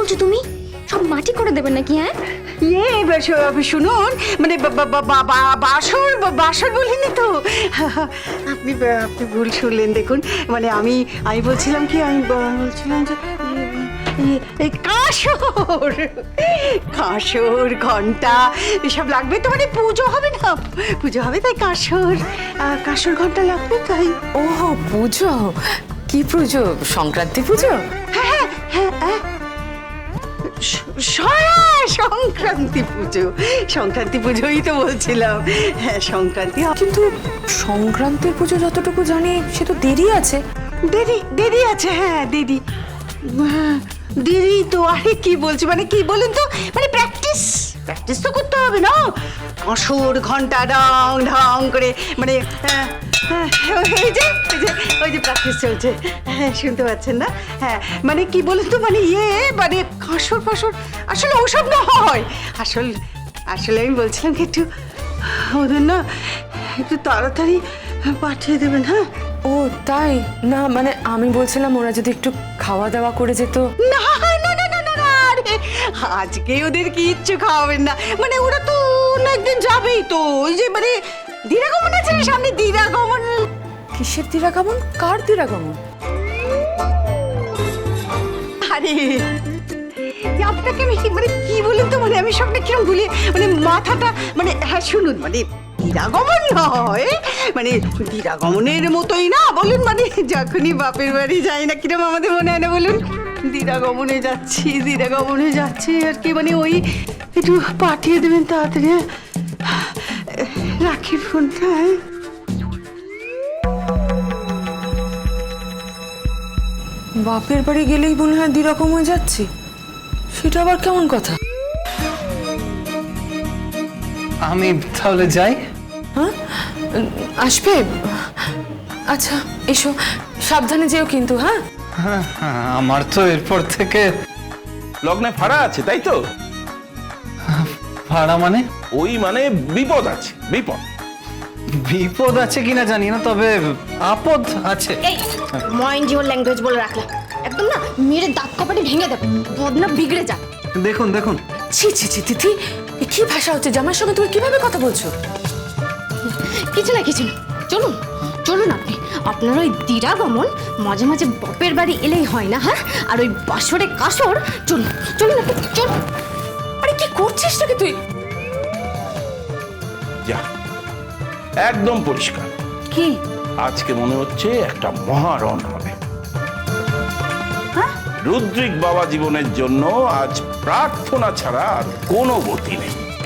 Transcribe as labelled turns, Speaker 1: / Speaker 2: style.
Speaker 1: বলছো তুমি? সব মাটি করে দেবেন নাকি? হ্যাঁ
Speaker 2: শুনুন, মানে বাসর বাসর বলিনি তো। আপনি আপনি ভুল শুনলেন। দেখুন, মানে আমি বলছিলাম কি, আমি বলছিলাম যে এই কাসর কাসর ঘন্টা এসব লাগবে তো, মানে পুজো হবে না, পুজো হবে তাই কাসর কাসর ঘন্টা লাগবে তাই।
Speaker 3: ও পুজো? কি পুজো? সংক্রান্তি পুজো?
Speaker 2: হ্যাঁ হ্যাঁ হ্যাঁ, সংক্রান্তি পুজো, সংক্রান্তি পুজোই তো বলছিলাম। হ্যাঁ সংক্রান্তি।
Speaker 3: কিন্তু সংক্রান্তির পুজো যতটুকু জানি সে তো দেরি আছে।
Speaker 2: দেরি দেরি আছে, হ্যাঁ দেরি, হ্যাঁ, দেরি তো। আরে কি বলছি, মানে কি বলুন তো, মানে প্র্যাকটিস প্র্যাকটিস তো করতে হবে না। কাঁসর ঘন্টা ঢং ঢং করে, মানে এই যে ওই যে প্র্যাকটিস চলছে, হ্যাঁ শুনতে পাচ্ছেন না? হ্যাঁ মানে কি বলুন তো, মানে মানে কাঁসর ফাঁসর আসলে ওসব না হয়। আসলে আমি বলছিলাম কি, একটু ওদের না একটু তাড়াতাড়ি পাঠিয়ে দেবেন। হ্যাঁ
Speaker 3: ও তাই না, মানে আমি বলছিলাম ওরা যদি একটু খাওয়া দাওয়া করে যেত।
Speaker 2: না না না না না না, আরে আজকে ওদের কিচ্ছু খাওয়াবেন না, মানে ওরা তো অন্য একদিন যাবেই তো। ওই যে মানে দিরাগমন আছে না সামনে, দিরাগমন।
Speaker 3: কিসের দিরাগমন? কার দিরাগমন?
Speaker 2: আরে আপনাকে আমি মানে কি বলুন তো, মানে আমি সবটা কিরম ভুলি, মানে মাথাটা, মানে হ্যাঁ শুনুন, মানে দিরাগমন নয়, মানে দিরাগমনের মতোই না বলুন, মানে যখনই বাপের বাড়ি যাই না কিরম আমাদের মনে হয় না বলুন, দিরাগমনে যাচ্ছি আর কি, মানে ওই একটু পাঠিয়ে দেবেন তাড়াতাড়ি। রাখি ফোনটা।
Speaker 3: বাপের বাড়ি গেলেই মনে হয় দিরকম হয়ে যাচ্ছি, সেটা আবার কেমন কথা?
Speaker 4: আমি তাহলে যাই।
Speaker 3: হ্যাঁ আসবে? আচ্ছা এসো, সাবধানে যেও কিন্তু। হ্যাঁ
Speaker 4: হ্যাঁ, আমার তো এরপর থেকে
Speaker 5: লগ্নে ফাড়া আছে, তাই তো?
Speaker 4: ভাড়া মানে?
Speaker 5: ওই মানে বিপদ আছে, বিপদ।
Speaker 4: বিপদ আছে কিনা জানি না, তবে আপদ আছে।
Speaker 1: এই ময়ন জীবন ল্যাঙ্গুয়েজ বলে রাখলাম, একদম না মেরে দাঁত কপাটি ভেঙে দেবে, বদনা বিগড়ে যা।
Speaker 4: দেখুন দেখুন,
Speaker 3: ছি ছি ছি তিথি, এ কি ভাষা হচ্ছে? জামাইয়ের সঙ্গে তুমি কিভাবে কথা বলছো?
Speaker 1: কিছু না চলুন চলুন, আপনার ওই দিরাগমন মাঝে মাঝে বাপের বাড়ি এলেই হয় না? হ্যাঁ, আর ওই বাসরে কাসর চলুন চলুন চলুন।
Speaker 3: আরে কি করছিস নাকি তুই?
Speaker 5: যা, একদম পরিষ্কার।
Speaker 1: কি
Speaker 5: আজকে মনে হচ্ছে একটা মহারণ হবে। রুদ্রিক বাবা জীবনের জন্য আজ প্রার্থনা ছাড়া আর কোনো গতি নেই।